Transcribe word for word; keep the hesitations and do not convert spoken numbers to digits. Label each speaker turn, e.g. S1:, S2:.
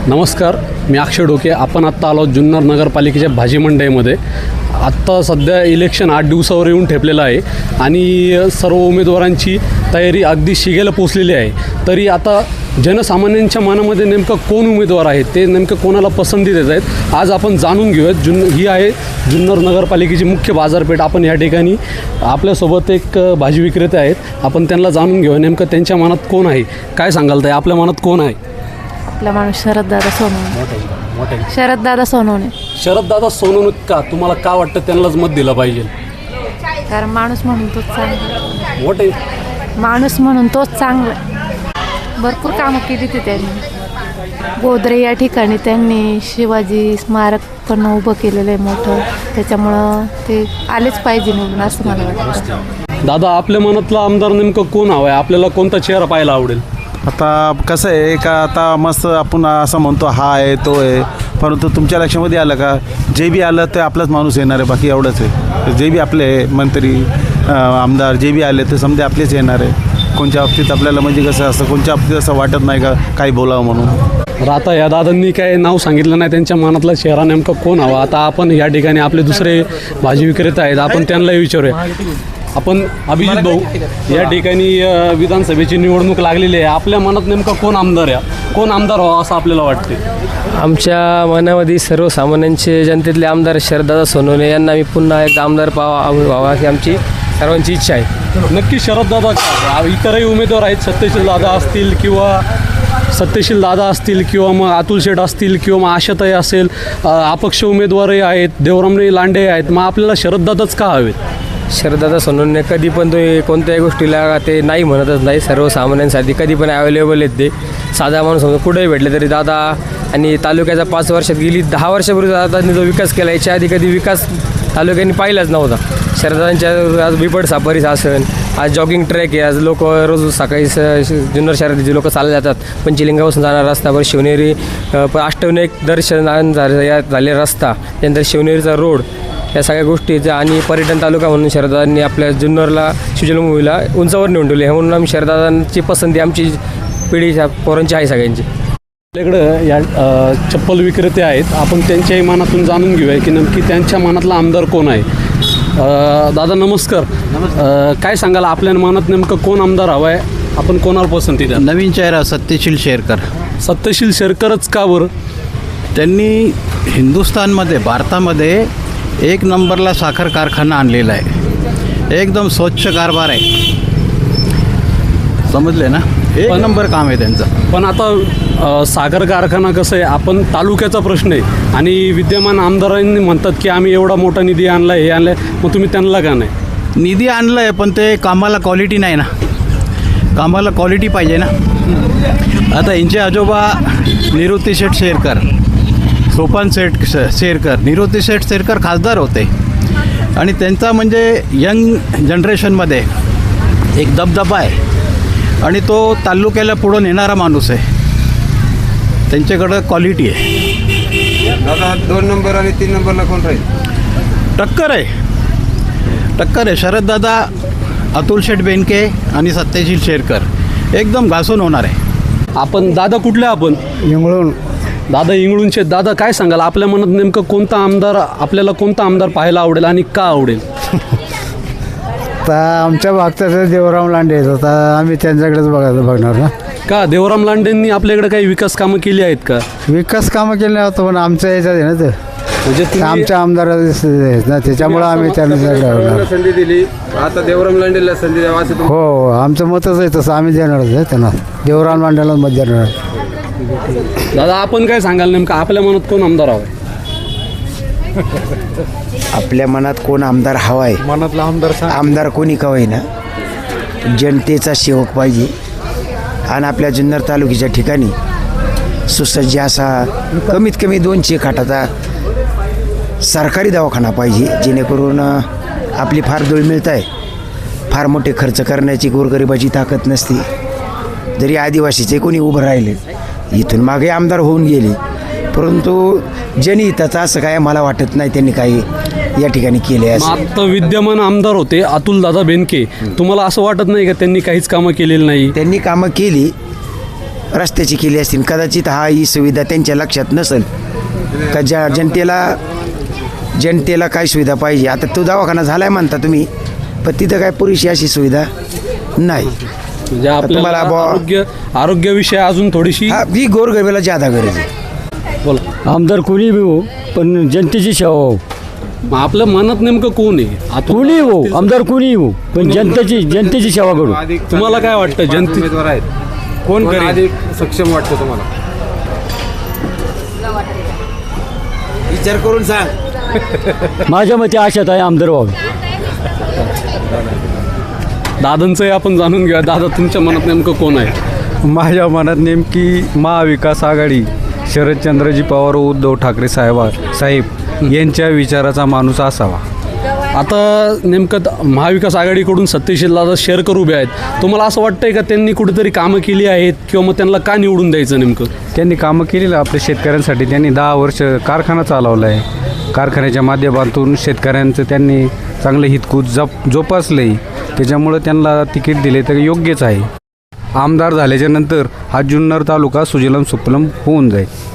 S1: नमस्कार, मी अक्षय डोके. आपण आत्ता आलो जुन्नर नगरपालिकेच्या भाजी मंडईमध्ये. आत्ता सध्या इलेक्शन आठ दिवसावर येऊन ठेपलेलं आहे आणि सर्व उमेदवारांची तयारी अगदी शिगेला पोचलेली आहे. तरी आता जनसामान्यांच्या मनामध्ये नेमकं कोण उमेदवार आहे, ते नेमकं कोणाला पसंती देत आहेत, आज आपण जाणून घेऊयात. जुन ही आहे जुन्नर नगरपालिकेची मुख्य बाजारपेठ. आपण या ठिकाणी आपल्यासोबत एक भाजी विक्रेते आहेत. आपण त्यांना जाणून घेऊया नेमकं त्यांच्या मनात कोण आहे. काय सांगाल ताई, आपल्या मनात कोण आहे?
S2: आपला माणूस शरददादा सोनवणे. शरददादा सोनवणे.
S1: शरददादा सोनवणे का? तुम्हाला का वाटतं त्यांनाच मत दिलं पाहिजे?
S2: कारण माणूस म्हणून तोच चांगला.
S1: मोठे
S2: माणूस म्हणून तोच चांगला. भरपूर कामं केली ते त्यांनी. गोदरे या ठिकाणी त्यांनी शिवाजी स्मारक पण उभं केलेलं आहे मोठं, त्याच्यामुळं ते आलेच पाहिजे निवडून असं मला वाटतं.
S1: दादा, आपल्या मनातला आमदार नेमकं कोण हवं आहे? आपल्याला कोणता चेहरा पाहायला आवडेल?
S3: आता कसं आहे का, आता मस्त आपण असं म्हणतो हा आहे तो आहे, परंतु तुमच्या लक्षामध्ये आलं का, जे बी आलं ते आपलाच माणूस येणार आहे, बाकी एवढंच आहे. जे बी आपले मंत्री आमदार जे बी आले ते समजे आपलेच येणार आहे. कोणत्या बाबतीत आपल्याला म्हणजे कसं असं कोणत्या बाबतीत असं वाटत नाही का काही बोलावं म्हणून.
S1: आता या दादांनी काय नाव सांगितलं नाही, त्यांच्या मनातला चेहरा नेमका कोण हवा. आता आपण या ठिकाणी आपले दुसरे भाजी विक्रेते आहेत, आपण त्यांनाही विचारूया. आपण अभिजित भाऊ, या ठिकाणी विधानसभेची निवडणूक लागलेली आहे. आपल्या मनात नेमका कोण आमदार आहे, कोण आमदार व्हावा असं आपल्याला वाटते?
S4: आमच्या मनामध्ये सर्वसामान्यांचे जनतेतले आमदार शरददादा सोनवणे यांना मी पुन्हा एक आमदार पावा व्हावा ही आमची सर्वांची इच्छा आहे.
S1: नक्की शरददादा का? इतरही उमेदवार आहेत, सत्यशील दादा असतील किंवा सत्यशील दादा असतील किंवा मग अतुल शेठ असतील किंवा मग आशाताई असेल, अपक्ष उमेदवारही आहेत, देवरामराव लांडे आहेत. मग आपल्याला शरददादाच का हवेत?
S4: शरददादा सोनवणे कधी पण तुम्ही कोणत्याही गोष्टीला ते नाही म्हणतच नाही. सर्वसामान्यांसाठी कधी पण अवेलेबल आहेत ते. साधा माणूस समजा कुठेही भेटले तरी दादा, आणि तालुक्याचा पाच वर्षात गेली दहा वर्षापूर्वी दादांनी जो विकास केला, याच्या आधी कधी विकास तालुक्यांनी पाहिलाच नव्हता. शरदांच्या आज बिबट साफारीस असेल, आज जॉगिंग ट्रॅक आहे, आज लोक रोज सकाळी स जुन्नर शहरात जे लोक चालले जातात, पंचलिंगापासून जाणार रस्तावर शिवनेरी अष्टविनायक दर्शन झाले रस्ता, त्यानंतर शिवनेरीचा रोड, या सगळ्या गोष्टीचा आणि पर्यटन तालुका म्हणून शरदांनी आपल्या जुन्नरला शिवजन्मभूमीला उंचावर नेऊन ठेवले. म्हणून आम्ही शरदांची पसंती आमची पिढीच्या पोरांची आहे सगळ्यांची.
S1: आपल्याकडं या चप्पल विक्रेते आहेत, आपण त्यांच्याही मनातून जाणून घेऊया की नक्की त्यांच्या मनातला आमदार कोण आहे. दादा नमस्कार. काय सांगाल, आपल्या मनात नेमकं कोण आमदार हवा आहे? आपण कोणाला पसंती द्या?
S5: नवीन चेहरा सत्यशील शेरकर.
S1: सत्यशील शेरकरच का बरं?
S5: त्यांनी हिंदुस्थानमध्ये भारतामध्ये एक नंबरला साखर कारखाना आणलेला आहे. एकदम स्वच्छ कारभार आहे, समजले ना. एक नंबर काम आहे त्यांचं.
S1: पण आता साखर कारखाना कसं आहे, आपण तालुक्याचा प्रश्न आहे आणि विद्यमान आमदारांनी म्हणतात की आम्ही एवढा मोठा निधी आणला आहे, हे आणलं आहे. मग तुम्ही त्यांना का नाही?
S5: निधी आणलं आहे पण ते कामाला क्वालिटी नाही ना. कामाला क्वालिटी पाहिजे ना. आता यांचे आजोबा निवृत्ती शेठ शेरकर, सोपान शेठ शेरकर, निवृत्ती शेठ शेरकर खासदार होते आणि त्यांचा म्हणजे यंग जनरेशनमध्ये एक दबदबा आहे आणि तो तालुक्याला पुढं नेणारा माणूस आहे. त्यांच्याकडं क्वालिटी आहे.
S6: दादा दोन नंबर आणि तीन नंबरला कोण राहील?
S5: टक्कर आहे, टक्कर आहे. शरददादा, अतुल शेठ बेनके आणि सत्यशील शेरकर एकदम घासून होणार आहे.
S1: आपण दादा कुठले? आपण
S7: इंगळून.
S1: दादा इंगळूणचे. दादा काय सांगाल, आपल्या मनात नेमकं कोणता आमदार, आपल्याला कोणता आमदार पाहायला आवडेल आणि का आवडेल?
S7: तर आमच्या भागचं देवराम लांडे आहेत, आता आम्ही त्यांच्याकडेच बघायचं बघणार ना.
S1: का देवराम लांडेंनी आपल्याकडे काही विकास कामं केली आहेत का?
S7: विकास कामं केले नव्हतं पण आमच्या याच्यात आहे ना ते,
S1: म्हणजे तुम्ही-
S7: आमच्या आमदार आहेत ना, त्याच्यामुळं आम्ही त्यांना बघणार.
S6: संधी दिली, आता देवराम लांडेला संधी द्यावा असं तुम-
S7: हो, आमचं मतच आहे तसं, आम्ही देणारच आहे त्यांना. देवराम लांडेलाच मत देणार.
S1: दादा आपण काय सांगाल, नेमकं आपल्या मनात कोण आमदार हवा आहे?
S8: आपल्या मनात कोण आमदार हवा आहे?
S7: मनातला आमदार
S8: आमदार कोणी का होईना, जनतेचा सेवक पाहिजे आणि आपल्या जुन्नर तालुक्याच्या ठिकाणी सुसज्ज असा कमीत कमी दोनशे खाटाचा सरकारी दवाखाना पाहिजे, जेणेकरून आपली फार दुळमिळत आहे. फार मोठे खर्च करण्याची गोरगरिबाची ताकद नसते. जरी आदिवासीचे कोणी उभं राहिले, इथून मागे आमदार होऊन गेले, परंतु जनहिताचं असं काय मला वाटत नाही त्यांनी काही या ठिकाणी केले आहे.
S1: आता विद्यमान आमदार होते अतुल दादा बेनके, तुम्हाला असं वाटत नाही का त्यांनी काहीच कामं केलेली नाही?
S8: त्यांनी कामं केली रस्त्याची केली असतील. कदाचित हा ही सुविधा त्यांच्या लक्षात नसेल का ज्या जनतेला जनतेला काय सुविधा पाहिजे. आता तो दवाखाना झाला आहे म्हणता तुम्ही, पण तिथं काय पुरेशी अशी सुविधा नाही.
S1: म्हणजे आपल्याला
S8: तुम्हाला बुवा-
S1: आरोग्य आरोग्याविषयी अजून थोडीशी
S8: हा ही गोरगरिबाला ज्यादा गरज आहे.
S1: बोला.
S7: आमदार कोणी बी हो, पण जनतेची सेवा हो.
S1: मग आपल्या मनात नेमकं कोण आहे आता
S7: कोणी हो, आमदार कोणी हो, पण जनतेची जनतेची सेवा करू.
S1: तुम्हाला काय वाटतं जनते
S6: उमेदवार आहेत,
S1: कोण
S6: कोण
S1: करेल?
S6: अधिक सक्षम वाटतं तुम्हाला?
S8: विचार करून सांग.
S7: माझ्या मते आशात आहे आमदार व्हावे.
S1: दादांचंही आपण जाणून घेऊया. दादा, तुमच्या मनात नेमकं कोण आहे?
S9: माझ्या मनात नेमकी महाविकास आघाडी शरदचंद्रजी पवार व उद्धव ठाकरे साहेबा साहेब यांच्या विचाराचा माणूस असावा.
S1: आता नेमकं द- महाविकास आघाडीकडून सत्यशील दादा शेअरकर उभे आहेत. तुम्हाला असं वाटतंय का त्यांनी कुठेतरी कामं केली आहेत किंवा मग त्यांना का निवडून द्यायचं नेमकं?
S9: त्यांनी कामं केलेलं आपल्या शेतकऱ्यांसाठी. त्यांनी दहा वर्ष कारखाना चालवला आहे. कारखान्याच्या माध्यमातून शेतकऱ्यांचं त्यांनी चांगलं हितकूत जप जोपासलं आहे. त्याच्यामुळं त्यांना तिकीट दिले तर योग्यच आहे. आमदार झाल्याच्या नंतर हा जुन्नर तालुका सुजलम सुफलम होऊन जाईल.